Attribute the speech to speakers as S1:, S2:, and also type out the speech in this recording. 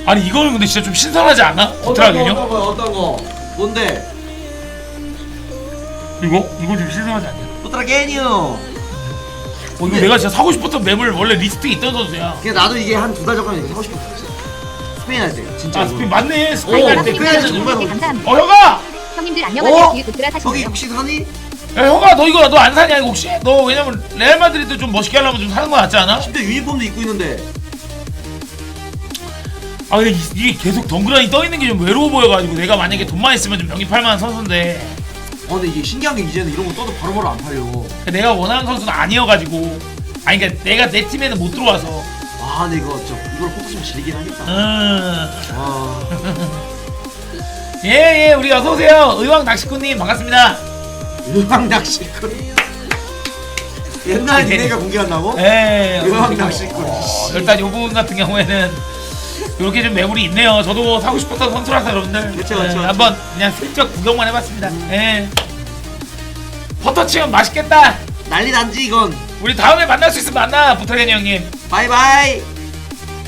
S1: 아니 이거는 근데 진짜 좀 신선하지 않아?
S2: 어떤
S1: 부트라겐요?
S2: 거 어떤 거 뭔데?
S1: 이거 좀 신선하지 않냐?
S2: 부트라겐이요.
S1: 이거 내가 진짜 사고 싶었던 맵을 원래 리스트에 있던 선수야.
S2: 그냥 나도 이게 한 2달 전까지 이렇게 사고 싶었어. 스페인 할 때. 진짜.
S1: 아 스페인 맞네. 스페인
S2: 오,
S1: 할 때.
S2: 그래, 정말
S3: 감사합니다.
S1: 형아!
S3: 형님들 안녕하세요. 뒤에 부트라
S2: 저기
S3: 사시네요.
S2: 혹시 사니?
S1: 야 형아 너 이거 너 안 사냐 이거 혹시? 너 왜냐면 레알 마드리드 좀 멋있게 하려면 좀 사는 거 낫지 않아?
S2: 심지어 유니폼도 입고 있는데.
S1: 아 근데 이게 계속 덩그러니 떠있는 게 좀 외로워 보여가지고 내가 만약에 돈만 있으면 좀 영입할 만한 선수인데
S2: 근데 이게 신기한 게 이제는 이런 거 떠도 바로바로 안 팔려.
S1: 내가 원하는 선수는 아니어가지고 아니 그러니까 내가 내 팀에는 못 들어와서
S2: 근데 이거 이걸 뽑으면 질리긴 하겠다. 와.
S1: 예예 우리 어서오세요 의왕 낚시꾼님 반갑습니다.
S2: 의왕 낚시꾼. 옛날에 니네가 공개한다고?
S1: 예
S2: 의왕 낚시꾼.
S1: 일단 요분 같은 경우에는 이렇게 좀 매물이 있네요. 저도 사고 싶었던 선수라서 여러분들
S2: 그쵸.
S1: 한번 그냥 슬쩍 구경만 해봤습니다. 예 퍼터 치면 맛있겠다.
S2: 난리 난지 이건.
S1: 우리 다음에 만날 수 있으면 만나 부탁해요 형님.
S2: 바이바이.